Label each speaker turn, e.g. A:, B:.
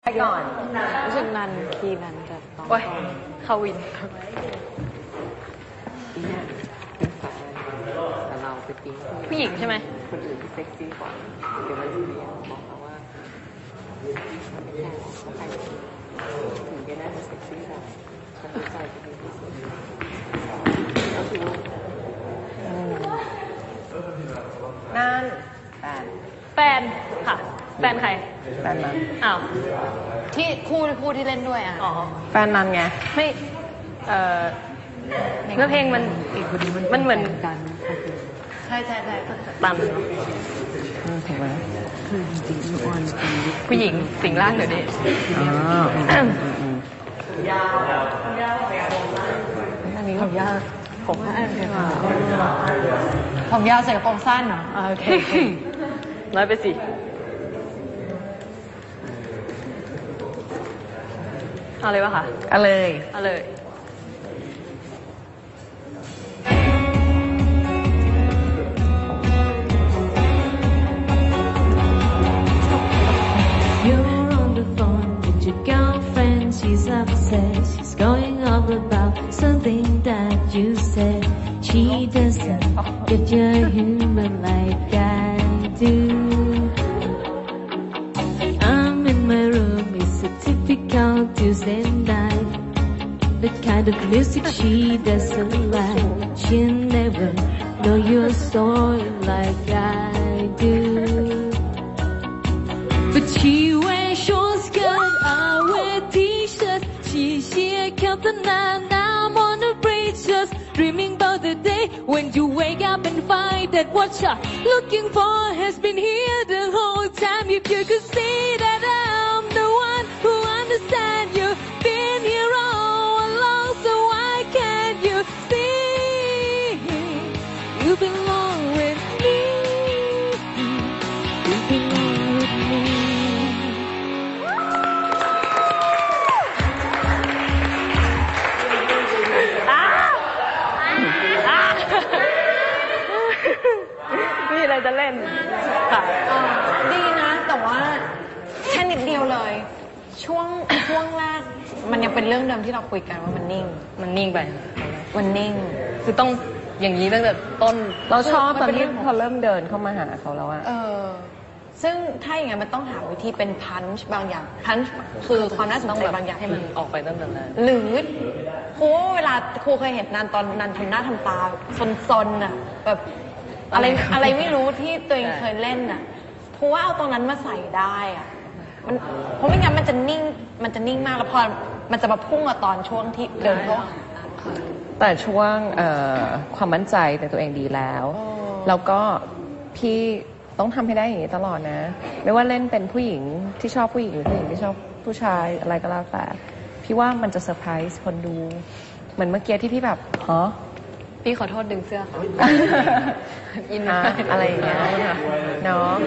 A: ก่อน
B: รู้สึกนันคีนันกับตอง
C: โอ้ยเข้าวิน
B: อีเนี่ยเป็นแฟนแต่เราไปปิ๊ง
C: ผู้หญิงใช่ไหม
B: คนอื่นที่เซ็กซี่กว่าเดี๋ยวมันจะเรียนบอกเขาว่าไม่ใช่เขาไปถึงจะน่าจะเซ็กซี่กว่าเขาตั้งใจจะเป็นที่สุดก็คือ
A: นั่น
C: แฟนค่ะแฟนใคร
A: แฟนนั้น
C: อ้าว
A: ที่คู่ที่เล่นด้วยอ่ะ
C: อ๋อ
A: แฟนนั้นไง
C: ไม่เนื้อเพลงมันเหมือน
B: กัน
A: ใช่
C: ตัน
B: ถูกไหมคือจริงๆอ่อนเป็น
C: ผู้หญิงสิงร่างเดี๋ยวนี้
A: อันนี้ผมยาวผมสั้นผมยาวใส่กระโปรงสั้นเหรอโอเค
C: น้อยไปสิเอาเลยวะคะ
A: เอาเลย
C: เอาเลย
D: She's upset, she's going on about something that you said. She doesn't get your humor like I do. I'm in my room, it's a typical Tuesday night. The kind of music she doesn't like. She'll never know your story like I do. But she wears short skirt, I wear t-shirt. She kept the night, now I'm on the bridge, just dreaming about the day when you wake up and find that what you're looking for has been here the whole time. If you could see that I'm the one who understands you, been here all along, so why can't you see you belong with me? You belong with me.
C: มีอะไรจะเล่นค่ะ
A: ดีนะแต่ว่าแค่นิดเดียวเลยช่วงแรกมันยังเป็นเรื่องเดิมที่เราคุยกันว่ามันนิ่ง
C: ไป
A: มันนิ่ง
C: คือต้องอย่างนี้ตั้งแต่ต้น
A: เราชอบตอนที่พอเริ่มเดินเข้ามาหาเขาแล้วอะซึ่งถ้าอย่างนั้นมันต้องหาวิธีเป็นพันช์บางอย่างพันช์คือความน่าสนใจบางอย่าง
C: ให้มันออกไปตั้งแต่แรก
A: หรือครูเวลาครูเคยเห็นนันตอนนันทำหน้าทำตาซนๆน่ะแบบอะไรไม่รู้ที่ตัวเองเคยเล่นน่ะครูว่าเอาตรงนั้นมาใส่ได้อะมันเพราะไม่งั้นมันจะนิ่งมากแล้วพอมันจะมาพุ่งมาตอนช่วงที่เดินเข้า
E: แต่ช่วงความมั่นใจในตัวเองดีแล้วแล้วก็พี่ต้องทำให้ได้อย่างนี้ตลอดนะไม่ว่าเล่นเป็นผู้หญิงที่ชอบผู้หญิงหรือผู้หญิงที่ชอบผู้ชายอะไรก็แล้วแต่พี่ว่ามันจะเซอร์ไพรส์คนดูเหมือนเมื่อกี้ที่พี่แบบฮะ
C: พี่ขอโทษดึงเสื้อค่ะ
E: อินอะไรอย่างเงี้ยเนาะ